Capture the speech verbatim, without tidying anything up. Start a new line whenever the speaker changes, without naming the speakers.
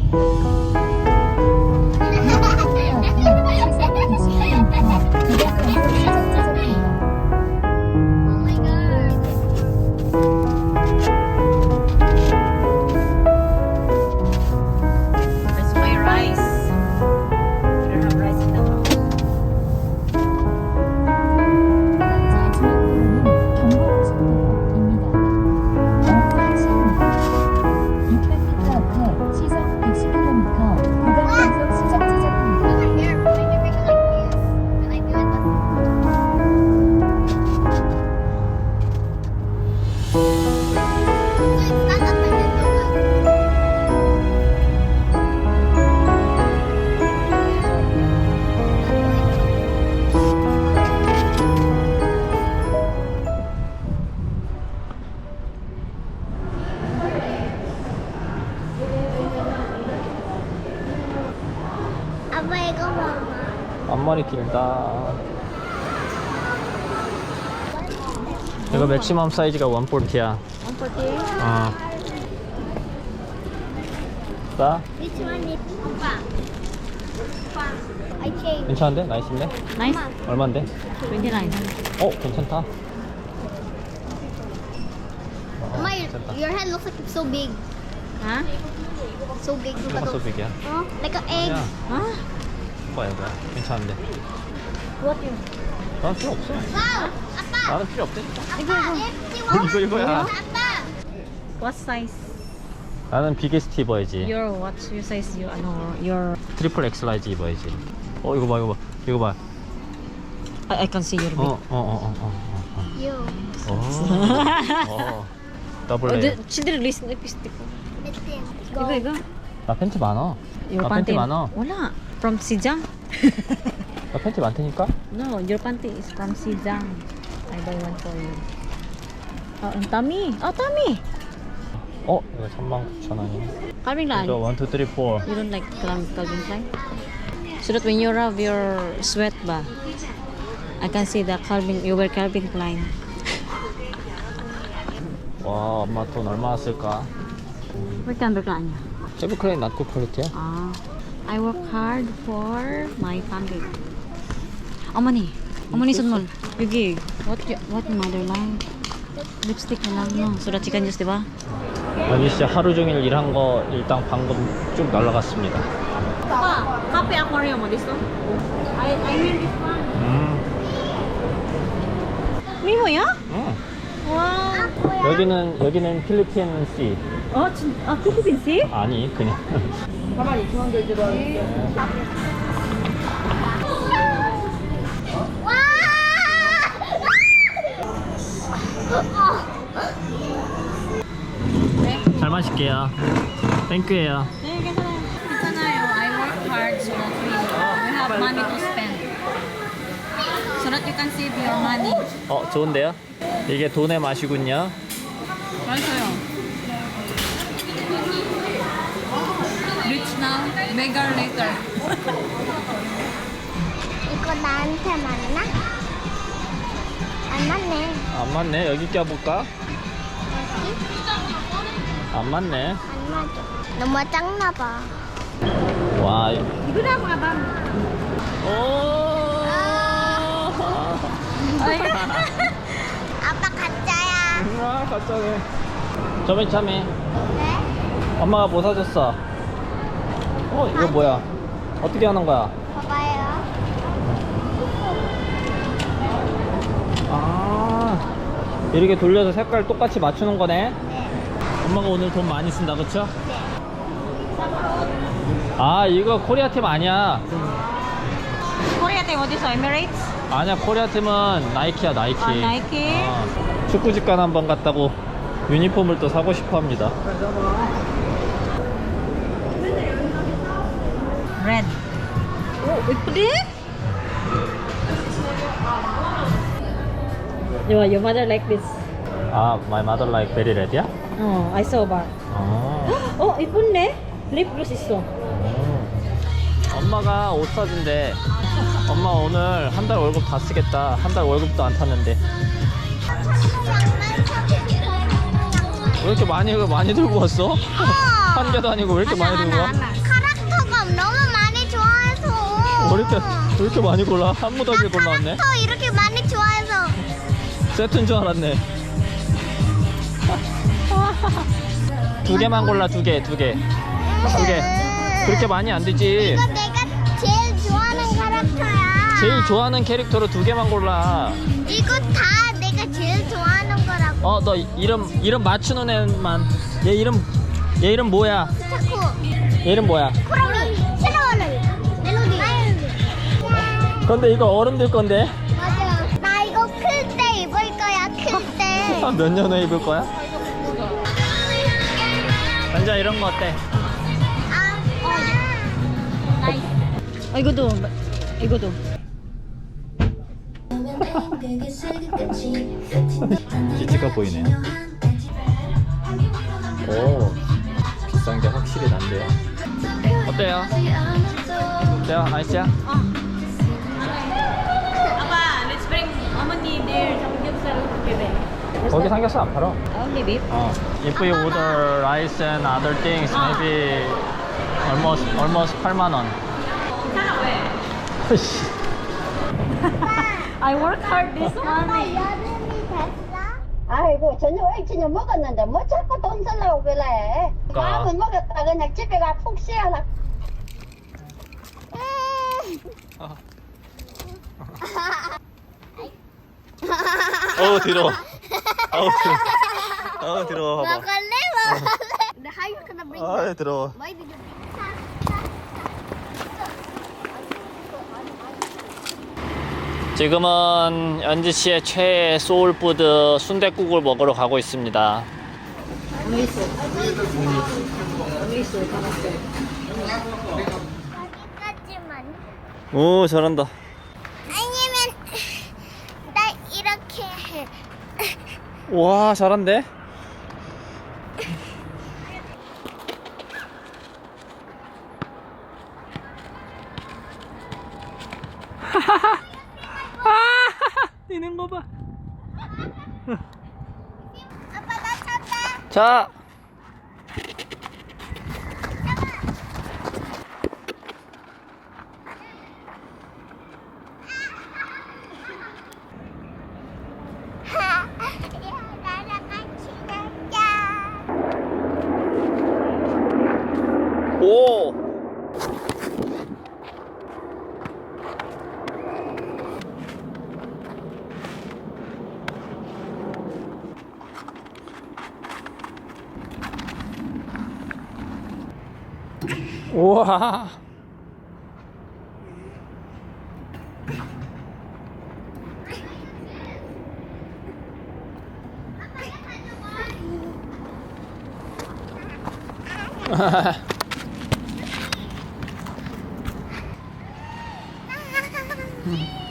아빠 이거 봐봐.
앞머리 길다. 이거 맥시멈 사이즈가 백사십야.
백사십?
어. 싸?
Which one is 오빠? 오빠. I change.
괜찮은데? 나이스인데?
Nice.
얼만데?
twenty-nine.
어, 괜찮다.
Mama, your, your head looks like it's so big.
Huh?
So big.
뭐가 소빅이야?
Oh, like an egg.
야,
Huh?
뭐야, 뭐야. 괜찮은데.
What you?
난 필요 없어.
Wow! 아빠!
나는 필요 없대.
아빠!
뭐 이거 이거야.
아빠!
What size?
나는 비게스트 입어야지.
Your what? Your size? You ano? Your
트리플 엑스 라이즈 입어야지. 어, 이거 봐, 이거 봐. 이거 봐.
I, I can see your
어,
big.
어, 어, 어, 어.
You.
어. 어. 더블
Oh,
A.
the, she didn't listen to lipstick.
Let's see.
Igo,
Go.
igo.
나 팬티 많아.
Your
나
panty.
팬티 많아.
Wala. From Sijang.
나 팬티 많다니까?
No, your panty is from Sijang. I buy one for you. Oh, and tummy. Oh, tummy.
어, 이거 삼만 구천 원이네.
Calvin Klein.
이거 일, 이, 삼, 사.
You don't like Cal- Calvin Klein? So that when you rub your sweat ba, I can see the Calvin, you wear Calvin Klein.
와, 엄마 돈 얼마나 쓸까?
Where Calvin Klein?
세브크레인 낫고 퀄리티야?
Ah, I work hard for my family. 어머니, 어머니 선물. 여기 what you, what mother like? Lipstick na lang no. So that you can use, di ba?
여기 진짜 하루 종일 일한 거 일단 방금 쭉 날라갔습니다.
Papa, copy aquarium mo this one? I I mean this one.
음,
미모야?
음.
와.
여기는 여기는 필리핀 씨.
어, 진, 아, 필리핀 씨?
아니 그냥. 잘 마실게요. 땡큐예요.
네, 괜찮아요. 괜찮아요. I work hard so that we, we have money to spend. So that you can save your money.
어, 좋은데요? 이게 돈의 맛이군요.
맞아요. Rich now, beggar later.
이거 나한테 맞나? 안 맞네.
안 맞네. 여기 껴볼까? 안 맞네.
안 맞아. 너무 작나 봐.
와.
Igo na mga bang.
오.
아빠 가짜야.
아, 가짜네. 저번에 참에
네?
엄마가 뭐 사줬어? 어, 이거 뭐야? 어떻게 하는 거야?
봐봐요.
아, 이렇게 돌려서 색깔 똑같이 맞추는 거네? 엄마가 오늘 돈 많이 쓴다, 그쵸? 아, 이거 코리아 팀 아니야.
Korea team, what is it? Emirates?
아니야, 코리아 팀은 나이키야, 나이키.
아, 나이키.
어, 축구직관 한번 갔다고 유니폼을 또 사고 싶어 합니다.
Red. Oh, 이쁘지? Your, your mother like this.
아, my mother like very red야?
Oh, I saw ba.
아.
Oh, 이쁜데? 립 글로스 있어.
엄마가 옷 사준대. 엄마 오늘 한 달 월급 다 쓰겠다. 한 달 월급도 안 탔는데. 왜 이렇게 많이 많이 들고 왔어?
어.
한 개도 아니고 왜 이렇게 많이 들고 와?
카락터가 너무 많이 좋아해서.
왜 이렇게, 왜 이렇게 많이 골라? 한 무더기 골라왔네.
카락터 이렇게 많이 좋아해서.
세트인 줄 알았네. 두 개만 골라, 두 개, 두 개. 두 개. 그렇게 많이 안 되지.
이거 내가 제일 좋아하는 카락터야.
제일 좋아하는 캐릭터로 두 개만 골라.
이거 다 내가 제일 좋아하는 거라고.
어, 너 이름, 이름 맞추는 애만. 얘 이름, 얘 이름 뭐야?
자꾸.
얘 이름 뭐야?
코라미. 새로운 멜로디.
근데 이거 어른들 건데?
맞아. 나 이거 클 때 입을 거야. 클 때.
몇 년 후에 입을 거야? 앉아, 이런 거 어때?
아, 나이스.
아, 이거도. 이거도.
기치가 보이네요. 오, 비싼 게 확실히 난데요. 어때요? 어때요? 아이씨야?
아빠, let's bring 어머니 내일 삼겹살 together.
거기 삼겹살 안 팔아.
Only beef.
어. If you order rice and other things, maybe almost almost 팔만 원.
괜찮아, 왜? I work hard this morning.
여름이 됐어?
아이고 저녁 일찍 먹었는데 뭐 자꾸 돈 쓰려고 그래.
그러니까.
밥은 먹었다 그냥 집에 가 푹 쉬어라.
어우 더러워. 어우 더러워. 어우 더러워. 봐봐.
먹을래? 먹을래? How you gonna bring
어우 더러워.
Why did you
지금은 연지 씨의 최애 소울푸드 순댓국을 먹으러 가고 있습니다.
여기까지만.
오, 잘한다.
아니면 나 이렇게 해.
와, 잘한데? 뛰는 거 봐.
아빠 나 찾다.
자.
야, 나랑 같이 가자.
오. 우와.
아,